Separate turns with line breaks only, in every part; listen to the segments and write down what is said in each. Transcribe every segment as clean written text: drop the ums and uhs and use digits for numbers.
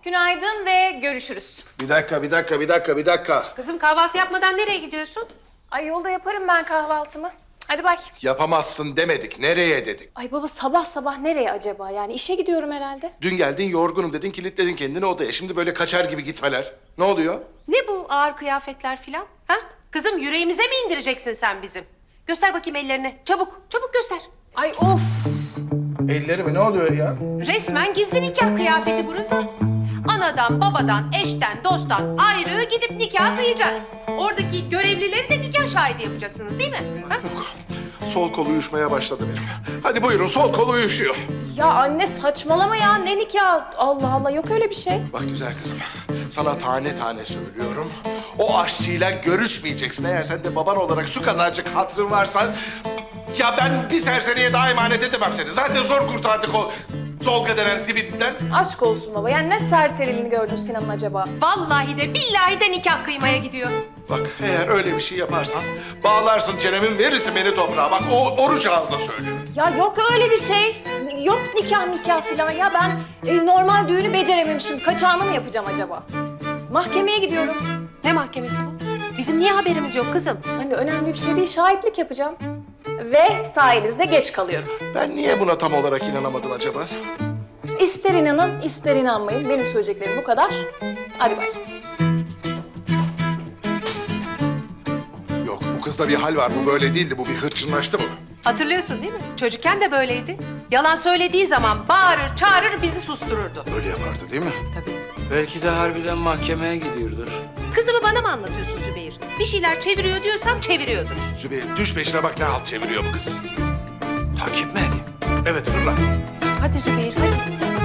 Günaydın ve görüşürüz.
Bir dakika.
Kızım kahvaltı yapmadan nereye gidiyorsun?
Ay yolda yaparım ben kahvaltımı. Hadi bay.
Yapamazsın demedik. Nereye dedik?
Ay baba sabah sabah nereye acaba? Yani işe gidiyorum herhalde.
Dün geldin yorgunum dedin, kilitledin kendini odaya. Şimdi böyle kaçar gibi gitmeler. Ne oluyor?
Ne bu ağır kıyafetler filan? Ha? Kızım yüreğimize mi indireceksin sen bizim? Göster bakayım ellerini. Çabuk, çabuk göster.
Ay of.
Ellerimi ne oluyor ya?
Resmen gizli nikah kıyafeti bu Rıza. Anadan, babadan, eşten, dosttan ayrı gidip nikah kıyacak. Oradaki görevlileri de nikah şahidi yapacaksınız değil mi? Ha?
Sol kolu uyuşmaya başladı benim. Hadi buyurun, sol kolu uyuşuyor.
Ya anne saçmalama ya. Ne nikah? Allah Allah yok öyle bir şey.
Bak güzel kızım, sana tane tane söylüyorum. O aşçıyla görüşmeyeceksin. Eğer sen de baban olarak şu kadarcık hatırın varsa... Ya ben bir serseriye daha emanet edemem seni. Zaten zor kurtardık o Tolga denen zibitten.
Aşk olsun baba. Yani ne serseriliğini gördün Sinan'ın acaba?
Vallahi de billahi de nikah kıymaya gidiyor.
Bak eğer öyle bir şey yaparsan bağlarsın çenemin, verirsin beni toprağa. Bak o oruç ağzına söylüyorum.
Ya yok öyle bir şey. Yok nikah falan ya. Ben normal düğünü becerememişim. Kaçağını mı yapacağım acaba? Mahkemeye gidiyorum.
Ne mahkemesi bu? Bizim niye haberimiz yok kızım?
Hani önemli bir şey değil. Şahitlik yapacağım. Ve sayenizde geç kalıyorum.
Ben niye buna tam olarak inanamadım acaba?
İster inanın, ister inanmayın. Benim söyleyeceklerim bu kadar. Hadi bay.
Yok bu kızda bir hal var. Bu böyle değildi. Bu bir hırçınlaştı mı?
Hatırlıyorsun değil mi? Çocukken de böyleydi. Yalan söylediği zaman bağırır, çağırır, bizi sustururdu.
Öyle yapardı değil mi?
Tabii.
Belki de harbiden mahkemeye gidiyordur.
Kızımı bana mı anlatıyorsun Zübeyir? Bir şeyler çeviriyor diyorsam çeviriyordur.
Zübeyir düş peşine bak ne halt çeviriyor bu kız.
Takip mi edeyim?
Evet fırla.
Hadi Zübeyir, hadi.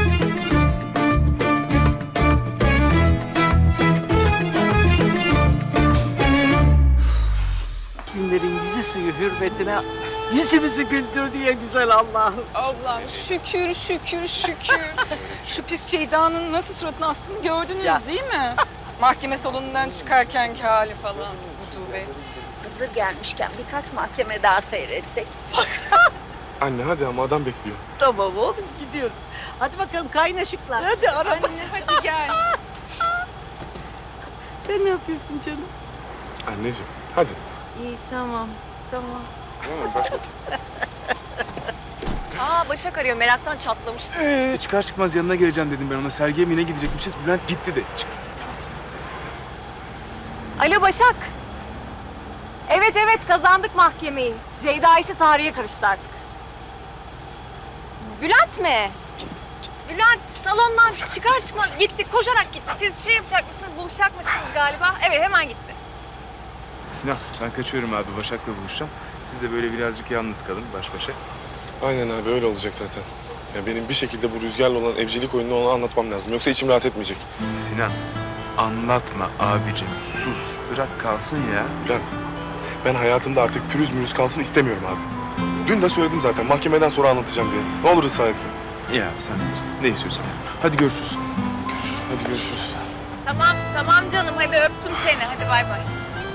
Günlerin yüzü suyu hürmetine yüzümüzü güldür diye güzel Allah'ım.
Ablam şükür şükür şükür. Şu pis Ceyda'nın nasıl suratını astığını gördünüz
Ya.
değil mi? Mahkeme salonundan çıkarkenki hali falan. Rutubet.
Hazır gelmişken birkaç mahkeme daha seyretsek.
Anne hadi ama adam bekliyor.
Tamam oğlum gidiyorum. Hadi bakalım kaynaşıklar. Hadi araba.
Anne hadi gel.
Sen ne yapıyorsun canım?
Anneciğim hadi.
İyi tamam. Tamam.
Tamam bak bakayım.
Aa Başak arıyor. Meraktan çatlamıştı.
Çıkar çıkmaz yanına geleceğim dedim ben ona. Sergiye mi yine gidecekmişiz. Bülent gitti de çıktı.
Alo Başak. Evet kazandık mahkemeyi. Ceyda işi tarihe karıştı artık. Bülent mi? Bülent salondan çıkar çıkmaz gitti. Koşarak gitti. Siz şey yapacak mısınız? Buluşacak mısınız galiba? Evet hemen gitti.
Sinan ben kaçıyorum abi. Başak'la buluşacağım. Siz de böyle birazcık yalnız kalın baş başa. Aynen abi öyle olacak zaten. Ya benim bir şekilde bu Rüzgar'la olan evcilik oyununu ona anlatmam lazım. Yoksa içim rahat etmeyecek. Sinan anlatma abicim. Sus. Bırak kalsın ya. Bülent ben hayatımda artık pürüz mürüz kalsın istemiyorum abi. Dün de söyledim zaten mahkemeden sonra anlatacağım diye. Ne olur ısrar etme. Ya sen bilirsin. Ne istiyorsan. Hadi görüşürüz. Görüşürüz. Hadi görüşürüz.
Tamam canım hadi öptüm seni. Hadi bay bay.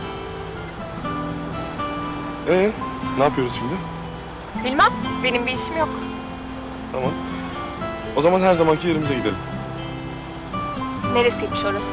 Ne yapıyoruz şimdi?
Bilmem benim bir işim yok.
Tamam. O zaman her zamanki yerimize gidelim.
Neresiymiş orası?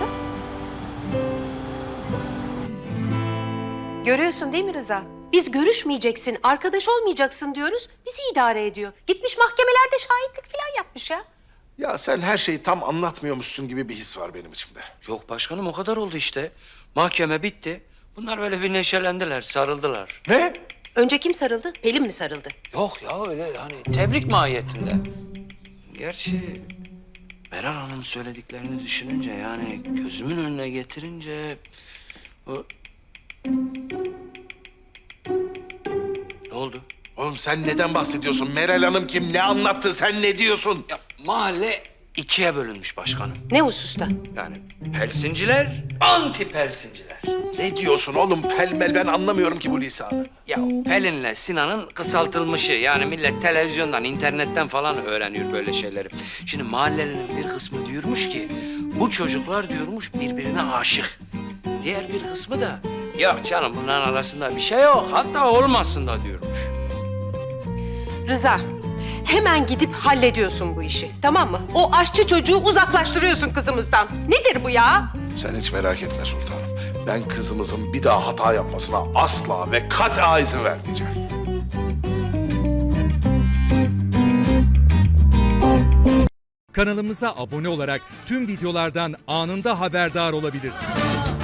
Görüyorsun değil mi Rıza? Biz görüşmeyeceksin, arkadaş olmayacaksın diyoruz. Bizi idare ediyor. Gitmiş mahkemelerde şahitlik falan yapmış ya.
Ya sen her şeyi tam anlatmıyormuşsun gibi bir his var benim içimde.
Yok başkanım o kadar oldu işte. Mahkeme bitti. Bunlar böyle bir neşelendiler, sarıldılar.
Ne?
Önce kim sarıldı? Pelin mi sarıldı?
Yok ya öyle yani tebrik mahiyetinde. Gerçi Meral Hanım söylediklerini düşününce yani gözümün önüne getirince... O... Ne oldu?
Oğlum sen neden bahsediyorsun? Meral Hanım kim? Ne anlattı? Sen ne diyorsun?
Ya mahalle ikiye bölünmüş başkanım.
Ne hususta?
Yani pelsinciler, anti pelsinciler.
Ne diyorsun oğlum? Pelmel ben anlamıyorum ki bu lisanı.
Ya Pelin'le Sinan'ın kısaltılmışı. Yani millet televizyondan, internetten falan öğreniyor böyle şeyleri. Şimdi mahallelinin bir kısmı diyormuş ki... ...bu çocuklar diyormuş birbirine aşık. Diğer bir kısmı da... ...yok canım bunların arasında bir şey yok. Hatta olmasın da diyormuş.
Rıza, hemen gidip hallediyorsun bu işi. Tamam mı? O aşçı çocuğu uzaklaştırıyorsun kızımızdan. Nedir bu ya?
Sen hiç merak etme sultanım. Ben kızımızın bir daha hata yapmasına asla ve kat'a izin vermeyeceğim.
Kanalımıza abone olarak tüm videolardan anında haberdar olabilirsiniz.